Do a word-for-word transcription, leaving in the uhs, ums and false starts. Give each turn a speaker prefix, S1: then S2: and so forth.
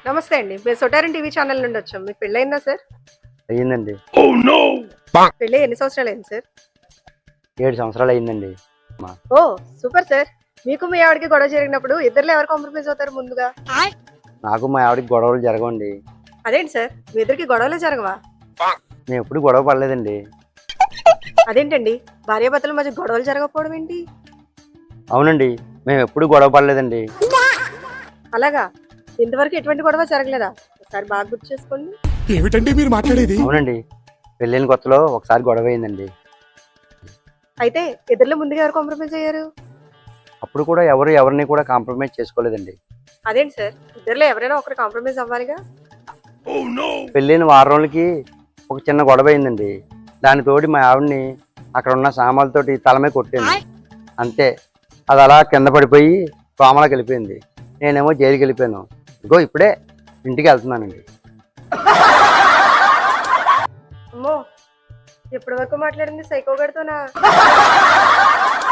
S1: నమస్తే అండి. మేము సొటారిన్ టీవీ ఛానల్ నుండి వచ్చాం. మీకు పెళ్ళయిందా సార్?
S2: అయ్యిందండి.
S1: పెళ్ళి ఎన్ని సంవత్సరాలు అయింది సార్?
S2: ఏడు సంవత్సరాలు అయిందండి.
S1: ఓ సూపర్ సార్. మీకు మీ ఆవిడకి గొడవ జరిగినప్పుడు ఇద్దరులో ఎవరు కాంప్రమైజ్ అవుతారు ముందుగా?
S2: నాకు మా ఆవిడకి గొడవలు జరగవండి.
S1: అదేంటి సార్, మీ ఇద్దరికి గొడవలే జరగవా?
S2: నేను ఎప్పుడు గొడవ పడలేదండి.
S1: అదేంటండి, భార్యాభర్తల మధ్య గొడవలు జరగకపోవడం ఏంటి?
S2: అవునండి, మేము ఎప్పుడు గొడవ పడలేదండి.
S1: అలాగా? ఇంతవరకు ఎటువంటి గొడవ జరగలేదా? ఒకసారి బాగా గుర్తు చేసుకోండి.
S3: ఏమిటండి మీరు మాట్లాడేది?
S2: అవునండి, పెళ్ళైన కొత్తలో ఒకసారి గొడవ అయిందండి.
S1: అయితే ఇద్దరులో ముందుగా ఎవరు కాంప్రమైజ్ అయ్యారు?
S2: అప్పుడు కూడా ఎవరు ఎవరిని కూడా కాంప్రమైజ్ చేసుకోలేదండి.
S1: అదేంటి సార్, ఇద్దరులో ఎవరైనా ఒకరు కాంప్రమైజ్ అవ్వాలిగా?
S2: పెళ్ళైన వారం రోజులకి ఒక చిన్న గొడవ అయిందండి. దాని తోటి మా ఆవిడని అక్కడ ఉన్న సామాన్లతోటి తలమే కొట్టింది. అంతే, అది అలా కింద పడిపోయి కోమలోకి వెళ్ళిపోయింది. నేనేమో జైలుకి వెళ్ళిపోయాను. ఇగో ఇప్పుడే ఇంటికి వెళ్తున్నానండి.
S1: అమ్మో, ఇప్పటి వరకు మాట్లాడింది సైకో గడితోనా?